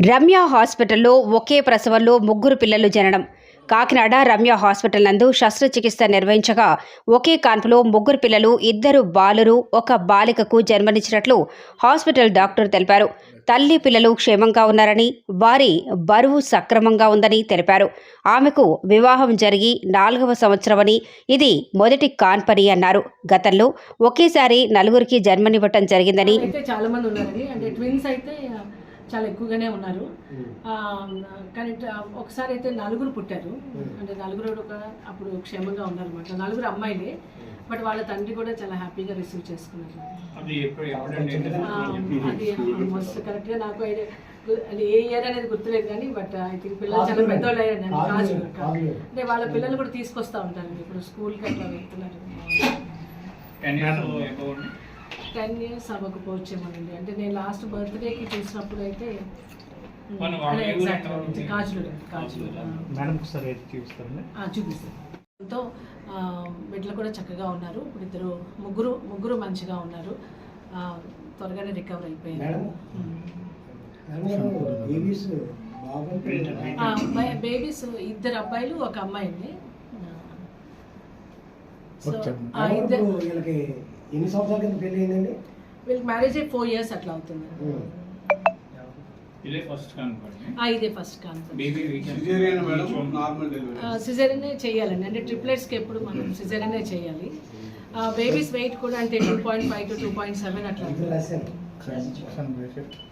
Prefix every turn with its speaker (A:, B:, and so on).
A: రమ్య హాస్పిటల్లో ఒకే ప్రసవంలో ముగ్గురు పిల్లలు జననం. కాకినాడ రమ్య హాస్పిటల్ నందు శస్త్రచికిత్స నిర్వహించగా ఒకే కాన్పులో ముగ్గురు పిల్లలు, 2 బాలురు, 1 బాలికకు జన్మనిచ్చినట్లు హాస్పిటల్ డాక్టర్ తెలిపారు. తల్లి పిల్లలు క్షేమంగా ఉన్నారని, వారి బరువు సక్రమంగా ఉందని తెలిపారు. ఆమెకు వివాహం జరిగి 4వ సంవత్సరమని, ఇది మొదటి కాన్పని అన్నారు. గతంలో ఒకేసారి 4కి జన్మనివ్వటం జరిగిందని,
B: చాలా మంది ఉన్నారని, అంటే ట్విన్స్ అయితే చాలా ఎక్కువగానే ఉన్నారు. కానీ ఒకసారి అయితే 4 పుట్టారు. అంటే 4 అప్పుడు క్షేమంగా ఉన్నారన్నమాట. 4 అమ్మాయిలే, బట్ వాళ్ళ తండ్రి కూడా చాలా హ్యాపీగా రిసీవ్ చేసుకున్నారు. అది ఆల్మోస్ట్ కరెక్ట్గా నాకు అది ఏ ఇయర్ అనేది గుర్తులేదు, కానీ బట్ ఐ థింక్ పిల్లలు చాలా పెద్దవాళ్ళు అయ్యారు. అంటే వాళ్ళ పిల్లలు కూడా తీసుకొస్తూ ఉంటారండి. ఇప్పుడు స్కూల్కి అట్లా వెళ్తున్నారు. 10 years అవ్వకపోవచ్చేమోనండి. అంటే నేను లాస్ట్ బర్త్డేకి చూసినప్పుడు అయితే చూపిస్తాను. తో బిడ్డలు కూడా చక్కగా ఉన్నారు. ఇప్పుడు ముగ్గురు మంచిగా ఉన్నారు. త్వరగానే రికవర్ అయిపోయారు. బేబీస్ 2 అబ్బాయిలు 1 అమ్మాయిని.
C: ఎన్ని సంవత్సరాల కింద పెళ్లి అయిందండి?
B: వీళ్ళకి మ్యారేజ్ 4 years అట్లా అవుతుంది. ఇదే ఫస్ట్ సిజేరియన్ చేయాలండి. అంటే ట్రిప్లెట్స్కి ఎప్పుడు మనం సిజేరియన్ చేయాలి. బేబీస్ వెయిట్ కూడా అంటే 2.5 to 2.7 అట్లా.